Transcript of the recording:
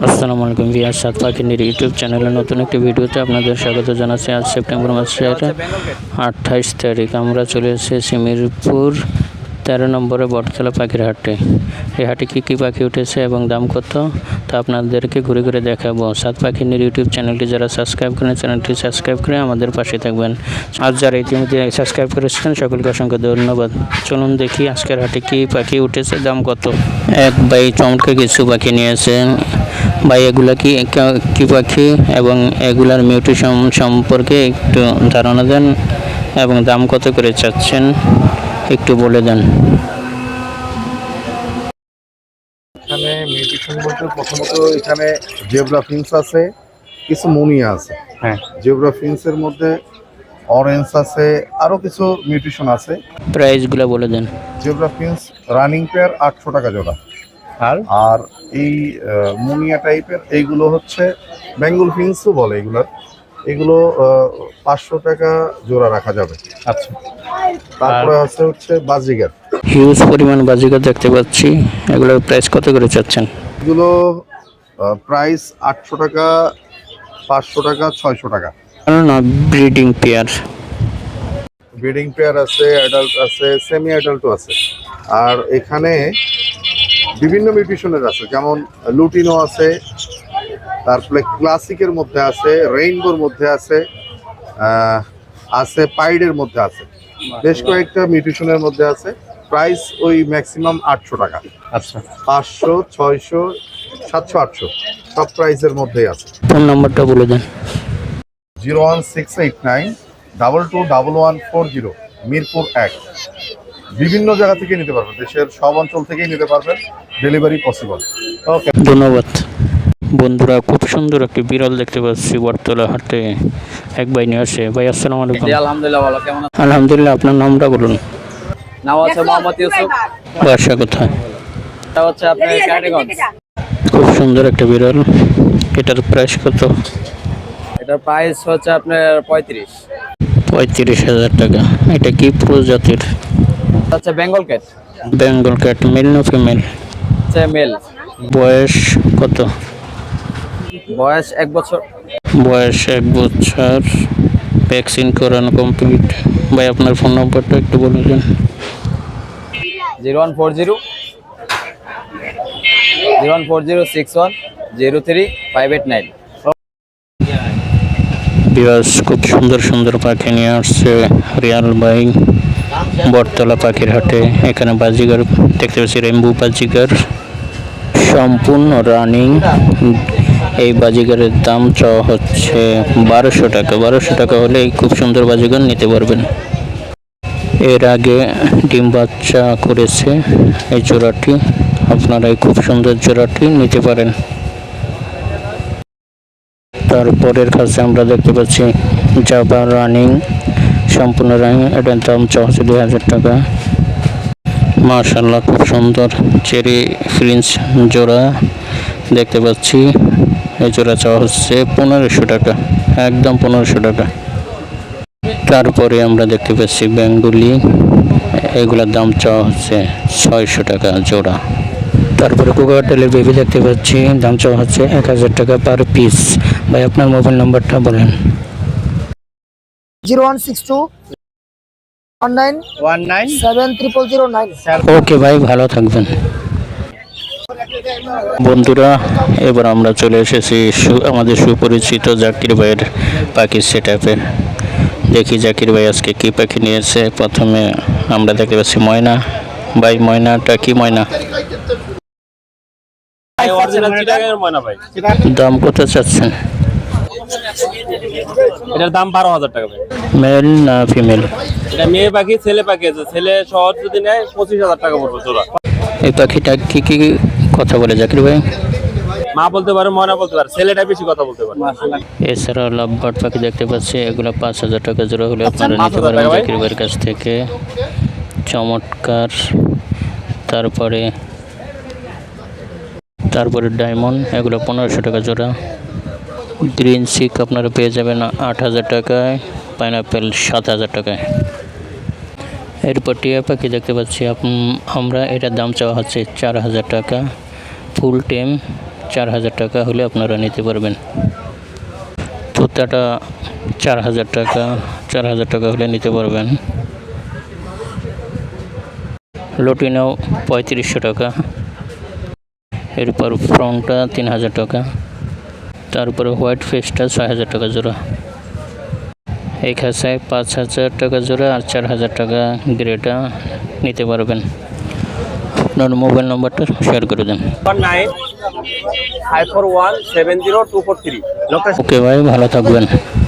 আসসালামু আলাইকুম ভিউয়ার্স, সাত পাখির ইউটিউব চ্যানেলের নতুন একটি ভিডিওতে আপনাদের স্বাগত জানাচ্ছি। আজ সেপ্টেম্বর মাসের 28 তারিখ। আমরা চলে এসেছি মিরপুর 13 নম্বরে বটতলা পাখির হাটে। এই হাটে কী পাখি উঠেছে এবং দাম কত তা আপনাদেরকে ঘুরে ঘুরে দেখাবো। সাত পাখির ইউটিউব চ্যানেলটি যারা সাবস্ক্রাইব করেন, চ্যানেলটি সাবস্ক্রাইব করে আমাদের পাশে থাকবেন। আজ যারা ইতিমধ্যে সাবস্ক্রাইব করেছেন সকলকে অসংখ্য ধন্যবাদ। চলুন দেখি আজকের হাটে কী পাখি উঠেছে, দাম কত। এক ভাই চমৎকার কিছু পাখি নিয়েছেন। ভাই এগুলা কি পাখি এবং এগুলার মিউটেশন সম্পর্কে একটু ধারণা দেন এবং দাম কত করে চাচ্ছেন একটু বলে দেন। এখানে মিউটেশন বলতে প্রথমত এখানে জেব্রা ফিন্স আছে, কিছু মুনিয়া আছে। হ্যাঁ, জেব্রা ফিন্সের মধ্যে অরেঞ্জ আছে, আরো কিছু মিউটেশন আছে। প্রাইসগুলো বলে দেন। জেব্রা ফিন্স রানিং পেয়ার 800 টাকা জোড়া, আর এই মুনিয়া টাইপের এইগুলো হচ্ছে বেঙ্গল ফিন্সও বলে এগুলো 500 টাকা জোড়া রাখা যাবে। আচ্ছা, তারপরে হচ্ছে বাজিগার, হিউজ পরিমাণ বাজিগার দেখতে পাচ্ছি। এগুলোর প্রাইস কত করে চাচ্ছেন? এগুলো প্রাইস 800 টাকা, 500 টাকা, 600 টাকা। না, ব্রিডিং পেয়ার। ব্রিডিং পেয়ার আছে, অ্যাডাল্ট আছে, সেমি অ্যাডাল্টও আছে। আর এখানে বিভিন্ন মিউটেশনের আছে, যেমন লুটিনো আছে, তারপরে ক্লাসিকের মধ্যে আছে, রেইনবোর মধ্যে আছে, আছে পাইডের মধ্যে আছে, বেশ কয়েকটা মিউটেশনের মধ্যে আছে। প্রাইস ওই ম্যাক্সিমাম 800 টাকা। আচ্ছা, 500, 600, 700, 800 সব প্রাইসের মধ্যেই আছে। ফোন নাম্বারটা বলে দেন। 01689 221140, মিরপুর 1। বিভিন্ন জায়গা থেকে নিতে পারবেন, দেশের সব অঞ্চল থেকেই নিতে পারবেন, ডেলিভারি পসিবল। ওকে, ধন্যবাদ। বন্ধুরা, খুব সুন্দর একটি বিড়াল দেখতে পাচ্ছি বটতলা হাটে। এক ভাই নিয়ে আসে। ভাই আসসালামু আলাইকুম। আলহামদুলিল্লাহ, ভালো। কেমন আছেন? আলহামদুলিল্লাহ, আপনার নামটা বলুন। নাম হচ্ছে মোহাম্মদ ইউসুফ। বাসা কোথায়? এটা হচ্ছে আপনার ক্যারানীগঞ্জ। খুব সুন্দর একটা বিড়াল। এটার প্রাইস কত? এটার প্রাইস হচ্ছে আপনার 35। 35,000 টাকা। এটা কি প্রজাতির? এটা হচ্ছে Bengal cat. Bengal cat, male না ফিমেল? হচ্ছে মেল। বয়স কত? বয়স 1 বছর। বয়স 1 বছর। ভ্যাকসিন করানো কমপ্লিট। ভাই আপনার ফোন নম্বরটা একটু বলে দিন। 0140 01406103589। বিরাজ খুব সুন্দর সুন্দর পাখি নিয়ে আসছে রিয়াল ভাই বটতলা পাখির হাটে। এখানে বাজিগার দেখতে পাচ্ছি, রেম্বু বাজিগার সম্পূর্ণ রানিং। এই বাজিগারের দাম চাওয়া হচ্ছে 1200 টাকা। 1200 টাকা হলে এই খুব সুন্দর বাজিগার নিতে পারবেন। এর আগে ডিম বাচ্চা করেছে এই জোড়াটি। আপনারা এই খুব সুন্দর জোড়াটি নিতে পারেন। তারপরের কাছে আমরা দেখতে পাচ্ছি জাবা রানিং, সম্পূর্ণ রানিং। এটার দাম চাওয়া হচ্ছে 2000 টাকা। মাশাআল্লাহ, খুব সুন্দর চেরি ফ্রিন্স জোড়া দেখতে পাচ্ছি। এই জোড়া চাওয়া হচ্ছে 1500 টাকা, একদম 1500 টাকা। তারপরে আমরা দেখতে পাচ্ছি বেঙ্গলি, এগুলোর দাম চাওয়া হচ্ছে 600 টাকা জোড়া। তারপরে কোকাটেলের বেবি দেখতে পাচ্ছি, দাম চাওয়া হচ্ছে 1000 টাকা পার পিস। ভাই আপনার মোবাইল নাম্বারটা বলেন। 0162197009। ওকে ভাই, ভালো থাকবেন। বন্ধুরা, এবার আমরা চলে এসেছি আমাদের সুপরিচিত জাকির ভাইয়ের পাখি সেটআপে। দেখি জাকির ভাই আজকে কি পাখি নিয়েছে। প্রথমে আমরা দেখতে পাচ্ছি ময়না। ভাই ময়নাটা কি ময়না? দাম কত চাচ্ছেন? এটার দাম 12,000 টাকা। মেল না ফিমেল? এটা মেয়ে পাখি, ছেলে পাখি আছে। ছেলে শহর যদি নেয় 25,000 টাকা পড়বে জোড়া। এই পাখিটা কি কি কথা বলে জাকির ভাই? মা বলতে পারে, ময়না বলতে পারে, ছেলেটা বেশি কথা বলতে পারে। এছাড়াও লাভবার্ড পাখি দেখতে পাচ্ছি, এগুলো 5000 টাকা জোড়া হলে আপনারা নিতে 5,000 পারবেন টাকা ভাই। জাকির ভাইয়ের কাছ থেকে। চমৎকার। তারপরে ডায়মন্ড, এগুলো 1500 টাকা জোড়া। গ্রিন সিক আপনারা পেয়ে যাবেন 8000 টাকায়, পাইনাপেল 7000 টাকায়। এরপর টিয়া পাখি দেখতে পাচ্ছি আমরা, এটার দাম চাওয়া হচ্ছে 4000 টাকা। ফুল টেম 4,000 টাকা হলে আপনারা নিতে পারবেন। তোতাটা 4,000 টাকা, 4,000 টাকা হলে নিতে পারবেন। লটিনো 3500 টাকা। এরপর ফ্রনটা 3,000 টাকা। তারপরে হোয়াইট ফেসটা 6,000 টাকা জোড়া। এই খাঁচায় 5,000 টাকা জোড়া আর 4,000 টাকা গ্রেটা নিতে পারবেন। আপনার মোবাইল নম্বরটা শেয়ার করে দেন। 9 541 70243। ওকে ভাই, ভালো থাকবেন।